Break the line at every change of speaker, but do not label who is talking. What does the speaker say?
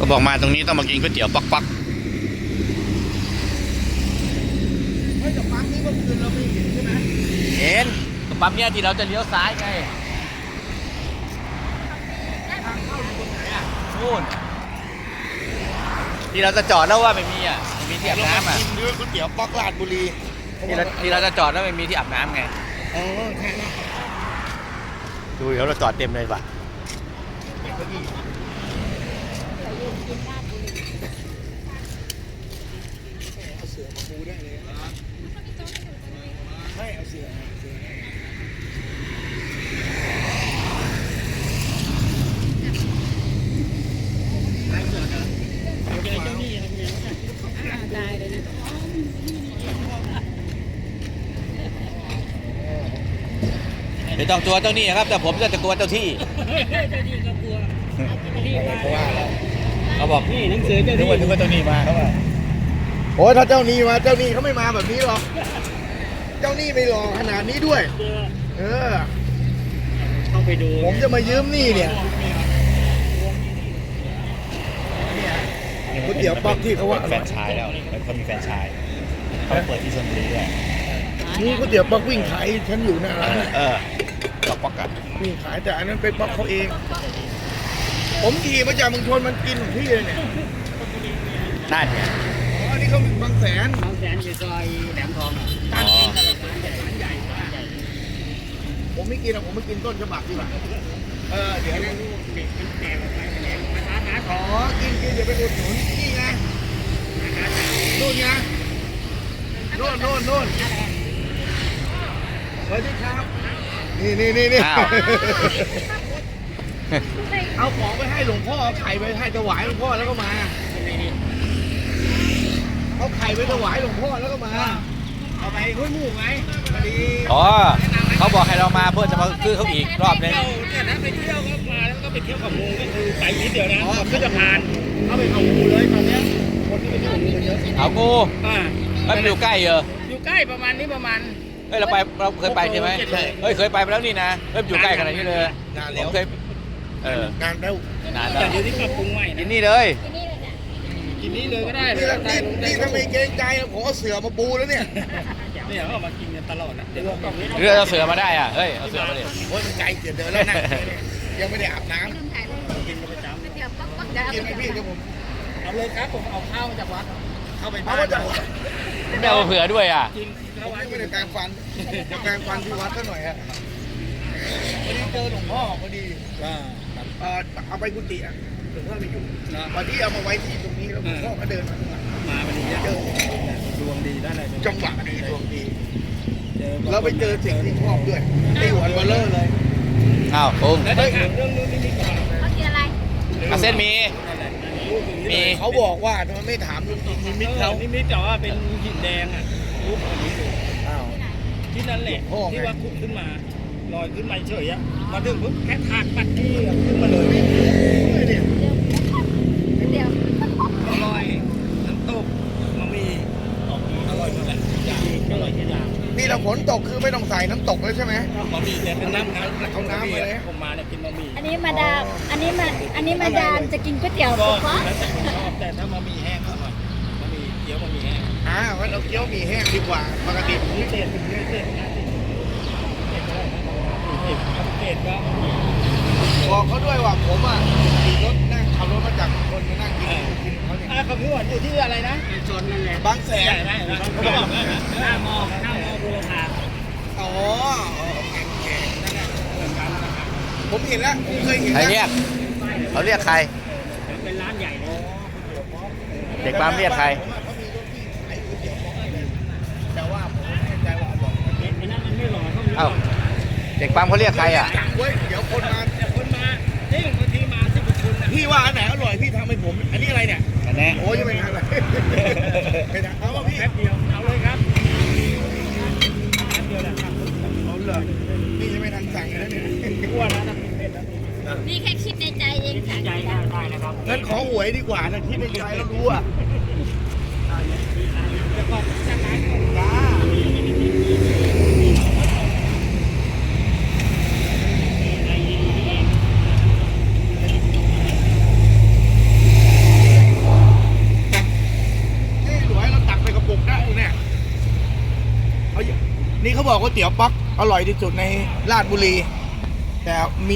บอกมาตรงนี้ต้องมากินก๋วยเตี๋ยวปัก
เฮ้ยแต่ปั๊มนี้เมื่อคืนเราไม่เห็นใช่ไหม
เห็นปั๊มเนี้ยที่เราจะเลี้ยวซ้ายไง
ทางเข้าอยู่ตรงไหนอ่ะ
นู่นที่เราจะจอดแล้วว่าไม่มีมีที่อาบน้ำ
กินด้วยก๋วยเตี๋ยวป๊อกลาดบุรี
ที่เราจะจอดแล้วไม่มีที่อาบน้ำไง
ใช่นะ
ดูเดี๋ยวเราจอดเต็มเลยป่ะ
เอาเสือมาปูได้เลยไม่เอาเสือ
ไม่ต้องตัวเจ้านี่ครับแต่ผมจะกลัวเจ้าที่
เพราะว่า
เขาบอก
นี่หนังสือเจ้าที่
นึกว่าเจ้านี่มาเขาบอก
โอ้ยถ้าเจ้านี่มาเจ้านี่เขาไม่มาแบบนี้หรอกเจ้านี่ไม่หล่อขนาดนี้ด้วย
ต้องไปดู
ผมจะมายืมนี่เนี่ยก๋วยเตี๋ยวป๊อกที่เขาว่า
แฟนชายแล้วเขามีแฟนชายเขาเปิดที่ชลบุรีด้วย
นี่ก๋วยเตี๋ยวป๊อกวิ่งขายฉันอยู่หน้าร้าน
ป๊อกกัน
วิ่งขายแต่อันนั้นเป็นป๊อกเขาเองผมขี่มาจากเมืองชนมันกินของพี่เลยเนี่ย
นั่นไง
อันนี้เขาบางแสน
อยู่ซอยแหลมทอง
ตั้งกินร้านใหญ่ผมไม่กินหรอกผมไม่กินต้นฉบับดีกว่าเดี๋ยวนะขอกินเดี๋ยวไปอุดหนุนนี่ไงนู่นไงโน่นสวัสดีครับนี่เอาของไปให้หลวงพ่อเอาไข่ไปให้ถวายหลวงพ่อแล้วก็มาเอาไข่ไปถวายหลวงพ่อแล้วก็มาเอาไปห้วยหมูไหมพอดี
เขาบอกให้เรามาเพื่อจะมาซื้อเขาอีกรอบนึง
เนี่ยนะไปเที่ยวก็มาแล้วก็ไปเที่ยวกับมูก็คือไปนิดเดียวนะก็จะผ่านเข้าไปเอางูเลยตอนนี้คนที่ไปเที่ยวงูเยอะ
เอางูมันอยู่ใกล้เหรอ
อยู่ใกล้ประมาณนี้ประมาณ
เฮ้ยเราเคยไปใช่ไหมเฮ้ยเคยไปแล้วนี่นะอยู่ใกล้ขนาดนี้เลย
นานแล้ว
เคย
นานแล้ว
แต่เดี๋ยวนี้ปรับปรุงใหม่
กินนี่เลย
กินนี่เลยก็ได้
นี่ถ้าไม่เกรงใจผมเอาเสือมาปูแล้วเนี่ย
เอามากินกันตลอดนะเดี๋ยวกล่องนี้
เรือเอาเสือมาได้เฮ้ยเอาเสือมาดิ
โอ้ยมันไกลเกินเดินแล้วนะยังไม่ได้อาบน้ำ
กินกันประจำ
กินไหมพี่เดี๋ยวผม
เอาเลยครับผมเอาข้าวมาจากวัดเข้าไป
บ้าน
ไม่เอาเผื่อด้วย
จริง
เขาไม่ได้แปรงฟันจะแปรงฟันที่วัดซะหน่อยฮะพอดีเจอหลวงพ่อพอดีเอาไปกุฏิหลวงพ่อไม่อยู่วันที่เอามาไว้ที่ตรงนี้แล้วหลวงพ่อก็เดิน
มาวันนี้
เจอ
ดวงดีได้เลย
จังหวะดีดวงดีเราไปเจอสิ่งที่ชอบด้วยไอ้หัวเบลเลอร์เลย
อ้าวปุ้ง
เรื่องนู้นนี่ก่อน
เขากินอะไร
เส้นมี
เขาบอกว่าทำไมไม่ถามลุงนิมิตเขา
นิมิตแต่ว่าเป็นหินแดงรูปของนี้อยู่ที่นั่นแหละที่ว่าขุดขึ้นมาลอยขึ้นมาเฉยมาถึงปุ๊บแค่ถากปัดที่ขึ้นมาเลย
เดี๋ยว
อร่อยน้ำตกมันมีอร่อยหมดแหละอย่างอร่อยทุกอย่าง
นี่เราฝนตกคือไม่ต้องใส่น้ำตกเลยใช่ไหม
บะหมี่แต่เป็นน้ำ
เขาน้ำเลย
ผมมาเนี่ยกินบะหมี่
อันนี้มาดามจะกินก๋วยเตี๋ยว
ก็แล้วแต่ผมชอบแต่ถ้าบะหมี่แห้งอร่อยบะหมี่เกี๊ยวบะหมี่แห้ง
งั้นเราเกี๊ยวหมี่แห้งดีกว่าปกติผม
พิเศษก็
บอกเขาด้วยว่าผมขี่รถนั่งขับรถมาจากคนมานั่งกินเขาเนี่ย
เขาพี่หวานอยู่ที่อะไรนะโซนนั่นแหละ
บางแสน
เขาบอกหน้ามอบูรพา
ผมเห็นแล้วผมเคยเห็น
ใครเรียกเขาเรียกใคร
เป็นร้านใหญ่เลย
เด็กปั๊มเรียกใคร
แต่ว่าผมไม่แน่ใจว่าบอก
นั่นมันไม่หล่อ
เอ้าเด็กปั๊มเขาเรียกใคร
เดี๋ยวคนมา
นี่บางทีมา10 คน
พี่ว่าอันไหนอร่อยพี่ทำให้ผมอันนี้อะไรเนี่ย
อันนี้
โอ้ยจะเป็นอะไรเอาป่ะพี่
แป๊บเดียวเอาเลยครับแป๊บเดียวแหละครับ
เอาเลยนี่จะไม่ทันสั่งเลยเนี่ย
อ้วนนะ
นี่แค่คิดในใจเอง
ค่ะใจได้นะครับ
งั้นขอหวยดีกว่านะคิดในใจแล้วรู้
แล้วก็จะขายของ
นี่เขาบอกว่าก๋วยเตี๋ยวป๊อกอร่อยที่สุดในราชบุรี แต่มี